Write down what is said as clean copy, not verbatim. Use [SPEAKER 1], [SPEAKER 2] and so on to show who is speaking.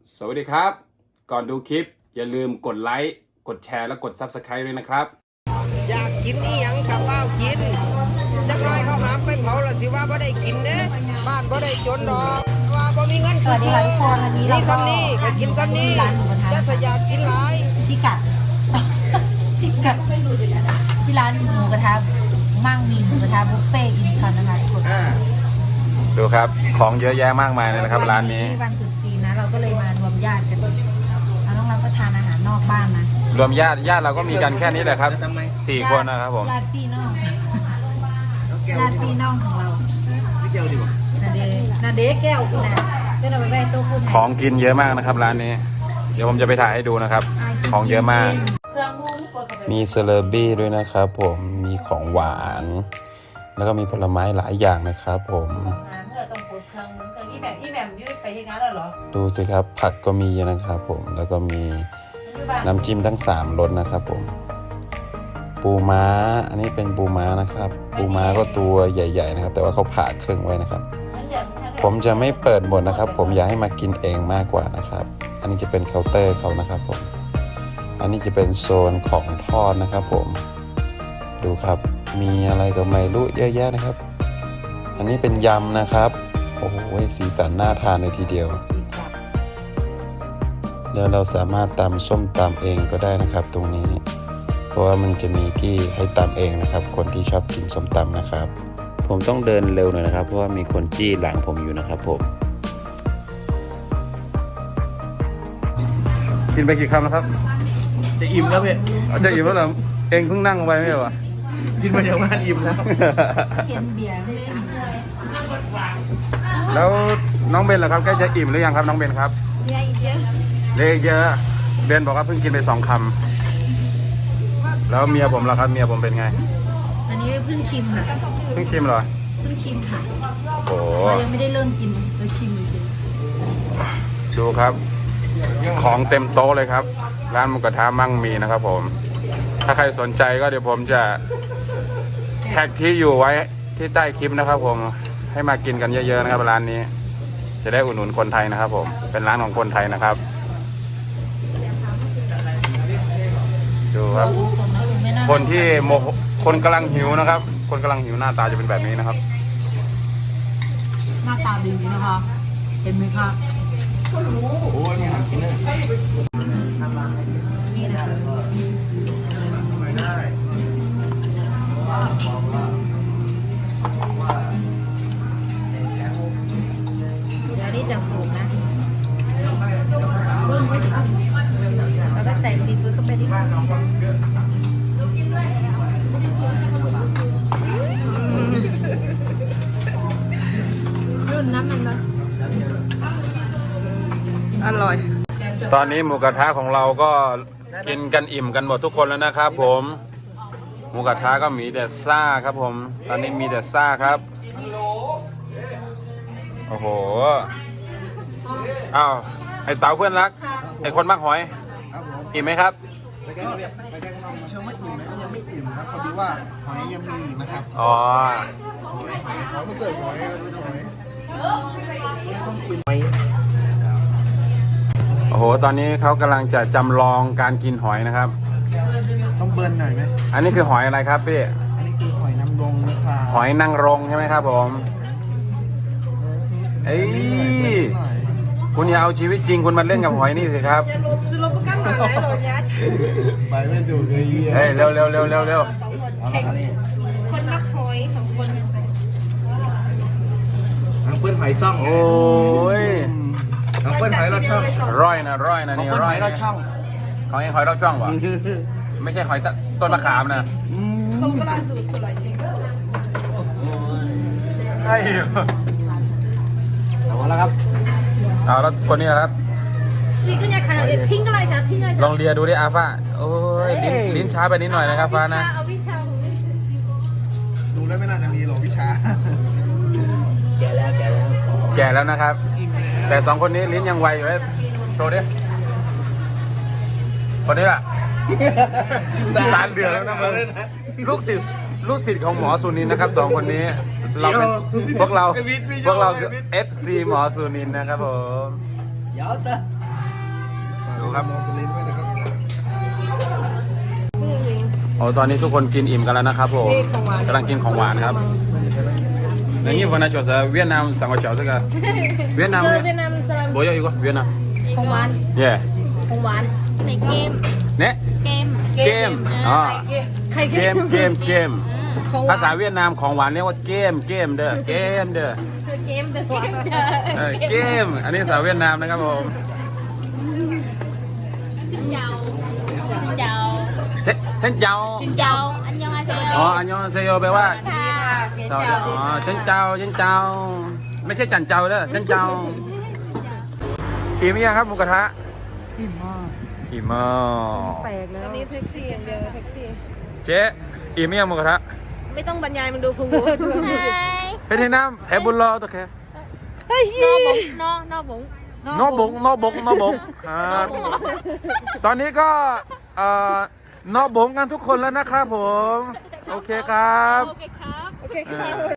[SPEAKER 1] สวัสดีครับก่อนดูคลิปอย่าลืมกดไลค์กดแชร์และกด Subscribe ด้วยนะครับ
[SPEAKER 2] อยากกินอีหยังกับเป้ากินจักหน่อยเขาหามไปเผาแล้วสิว่าบ่ได้กินเด้บ้านบ่ได้จนดอกว่าบ่มีเงิน
[SPEAKER 3] สวัสดีค่ะทุกคนวันนี้เราก็
[SPEAKER 2] ซ้ำนี่ก็กินซ้ำนี่
[SPEAKER 3] ร้านหมูกระทะ
[SPEAKER 2] จะสยากกินหลาย
[SPEAKER 3] พิกัด พิกัดที่ร้านหมูกระทะมั่งมีหมูกระทะบุฟเฟ่ต์อินชอนนะคะทุกคน
[SPEAKER 1] ดูครับของเยอะแยะมากมายเลยนะครับร้านนี้
[SPEAKER 3] วันตรุษจีนนะเราก็เลยมารวมญาติกันเราต้องรับประทานอาหารนอกบ้านนะ
[SPEAKER 1] รวมญาติเราก็มีกันแค่นี้แหละครับ4 คนนะครับผม
[SPEAKER 3] ญาติพี่น้องญาติพี่น้องของเรานาเดแก้วคุณนะก็เราไปแวะโต๊ะคุณ
[SPEAKER 1] ของกินเยอะมากนะครับร้านนี้เดี๋ยวผมจะไปถ่ายให้ดูนะครับของเยอะมากมีเซเลบี้ด้วยนะครับผมมีของหวานแล้วก็มีผลไม้หลายอย่างนะครับผมดูสิครับผักก็มีนะครับผมแล้วก็มีน้ำจิ้มทั้ง3รสนะครับผมปูม้าอันนี้เป็นปูม้านะครับปูม้าก็ตัวใหญ่ๆนะครับแต่ว่าเขาผ่าครึ่งไว้นะครับผมจะไม่เปิดหมดนะครับผมอยากให้มากินเองมากกว่านะครับอันนี้จะเป็นเคาน์เตอร์เขานะครับผมอันนี้จะเป็นโซนของทอดนะครับผมดูครับมีอะไรก็ไม่รู้เยอะแยะนะครับอันนี้เป็นยำนะครับโอ้โหสีสันน่าทานเลยทีเดียวแล้วเราสามารถตำส้มตำเองก็ได้นะครับตรงนี้เพราะว่ามันจะมีที่ให้ตำเองนะครับคนที่ชอบกินส้มตำนะครับผมต้องเดินเร็วหน่อยนะครับเพราะว่ามีคนจี้หลังผมอยู่นะครับผมกินไปกี่คำแล้วครับ
[SPEAKER 4] จะอิ่มแล้วพี่
[SPEAKER 1] จะอิ่มแล้วเหรอเองเพิ่งนั่งไปไม่ใช่เหรอ
[SPEAKER 4] กินมาเดี๋ยวงานอิ่มแล้ว
[SPEAKER 3] เห็นเบียร์ไม่ได้
[SPEAKER 1] แล้วน้องเบนล่ะครับใกล้จะอิ่มหรือยังครับน้องเบนครับเล็กเยอะเบนบอกว่าเพิ่งกินไป2 คำแล้วเมียผมล่ะครับเมียผมเป็นไง
[SPEAKER 3] อันนี้เพิ่งชิมค่ะ
[SPEAKER 1] เพิ่งชิมเหรอ
[SPEAKER 3] เพิ่งชิมค่ะ
[SPEAKER 1] โอ้
[SPEAKER 3] เรายังไม่ได้เริ่มกินเราชิมเลย
[SPEAKER 1] ดูครับของเต็มโต๊ะเลยครับร้านหมูกระทะมั่งมีนะครับผมถ้าใครสนใจก็เดี๋ยวผมจะแท็กที่อยู่ไว้ที่ใต้คลิปนะครับผมให้มากินกันเยอะๆนะครับร้านนี้จะได้อุดหนุนคนไทยนะครับผมเป็นร้านของคนไทยนะครับดูครับคนที่คนกำลังหิวนะครับคนกำลังหิวหน้าตาจะเป็นแบบนี้นะครับ
[SPEAKER 3] หน้าตาดีนะคะเห็นไหมคะ
[SPEAKER 4] โอ้ยนี่หากินเลย
[SPEAKER 3] นี่นะคะเดี๋ยวนี้จะปลูกนะแล้วก็ใส่ซีฟู้ดเข้าไปดิรุ่นน้ำมันนะอร่อย
[SPEAKER 1] ตอนนี้หมูกระทะของเราก็กินกันอิ่มกันหมดทุกคนแล้วนะครับผมหมูกระทะก็มีแต่ซ่าครับผมตอนนี้มีแต่ซ่าครับโอ้โหอ้าวไอเต๋าเพื่อนรักไอคนมักหอยอิ่มไหมครับ
[SPEAKER 4] ไปแก้ความเชื่อไม่ถูกนะยังไม่อิ่มครับพอดีว่าหอยยังมีนะครับ
[SPEAKER 1] อ๋อ
[SPEAKER 4] ขอมาเสิร์ฟหอยไม่ต้องกินหอย
[SPEAKER 1] โอ้โหตอนนี้เขากำลังจะจำลองการกินหอยนะครับ
[SPEAKER 4] ต้องเบิร์นหน่อยไหม
[SPEAKER 1] อันนี้คือหอยอะไรครับพี่
[SPEAKER 4] อันนี้คือหอยนางรมนะครับ
[SPEAKER 1] หอยนางรมใช่ไหมครับผมเอ้ยคุณอย่าเอาชีวิตจริงคุณมาเล่นกับหอยนี่สิครับ
[SPEAKER 4] ไปไม่ถูกเลย
[SPEAKER 1] เฮ้ยเร็ว
[SPEAKER 3] คนมักหอย2 คน
[SPEAKER 4] ทางเพื่อนหอยซ่อง
[SPEAKER 1] โอ้ย
[SPEAKER 4] ทางเพื่อนหอยเราช่อง
[SPEAKER 1] ร้อยนะนี่ร้อย
[SPEAKER 4] เราช่อง
[SPEAKER 1] หอยเราช่องวะไม่ใช่หอยต้นมะขามนะ
[SPEAKER 3] ผมกำลังดูสวยจริง
[SPEAKER 1] ใช่
[SPEAKER 4] เอาแล้วครับ
[SPEAKER 1] เอาแล้วคนนี้ครับลองเลียดูดิอาฟ้าโอ้ยลิ้นช้าไปนิดหน่อยนะครับฟ้านะ
[SPEAKER 4] ดูแล้วไม่น่าจะมีหรอกวิชาแก่
[SPEAKER 1] แล้วนะครับแต่2 คนนี้ลิ้นยังไวอยู่เลยโชว์ดิคนนี้ล่ะตาเดือดแล้วนะลูกศิษย์ของหมอสุนินนะครับ2 คนนี้เราเป็นพวกเราคือ FC หมอสุนินนะครับผม
[SPEAKER 4] เดี๋ยวเตอ
[SPEAKER 1] ดูครับ
[SPEAKER 4] มองสุรินทร์ด้วยนะครับ
[SPEAKER 1] โอ้ตอนนี้ทุกคนกินอิ่มกันแล้วนะครับผมกำลังกินของหวานครับอย่างนี้วันนั้นจอดเวียดนามสั่งว่าจอดสักเวียดนาม
[SPEAKER 3] เวี
[SPEAKER 1] เนี่ย
[SPEAKER 3] ยดนามสลัม
[SPEAKER 1] โบยอีกว่าเวียดนาม
[SPEAKER 3] ของหวาน
[SPEAKER 1] เย่
[SPEAKER 3] ของหวาน
[SPEAKER 5] ในเกม
[SPEAKER 1] เนี่ย
[SPEAKER 5] เกม
[SPEAKER 1] เกมอ๋อ
[SPEAKER 3] ใคร
[SPEAKER 1] เกมภาษาเวียดนามของหวานเรียกว่าเกมเด้อเกมเด้อ
[SPEAKER 5] เกมเดอะเกม
[SPEAKER 1] เกมอันนี้ภาษาเวียดนามนะครับผม
[SPEAKER 5] สินเยาสินเยา
[SPEAKER 1] เส้นเจ้า
[SPEAKER 5] สินเยาอันยองอาเซโย
[SPEAKER 1] อ๋ออันยองเซโยแปลว่า
[SPEAKER 5] ค่ะ
[SPEAKER 3] เสีย
[SPEAKER 1] อ๋
[SPEAKER 3] เจ้า
[SPEAKER 1] อเส้นเจ้าไม่ใช่จันเจ้าเด้อเส้นเจ้าอิ่มยังครับหมูกระทะอิ่มมาก
[SPEAKER 3] แปลกแล้ว
[SPEAKER 2] อันนี้แท็กซี่อย่างเดียวแท็กซี่
[SPEAKER 1] เจ๊อิ่มยังหมูกระทะ
[SPEAKER 2] ไม่ต้องบรรยายมันดูพุง
[SPEAKER 5] ไฮ
[SPEAKER 1] เพชรน้ำแถบุญรอตัวแค่
[SPEAKER 5] นอบุง
[SPEAKER 1] นอบงครับตอนนี้ก็นอบงกันทุกคนแล้วนะครับผม โอเคครับ
[SPEAKER 5] โอเคครับ
[SPEAKER 2] โอเคครับ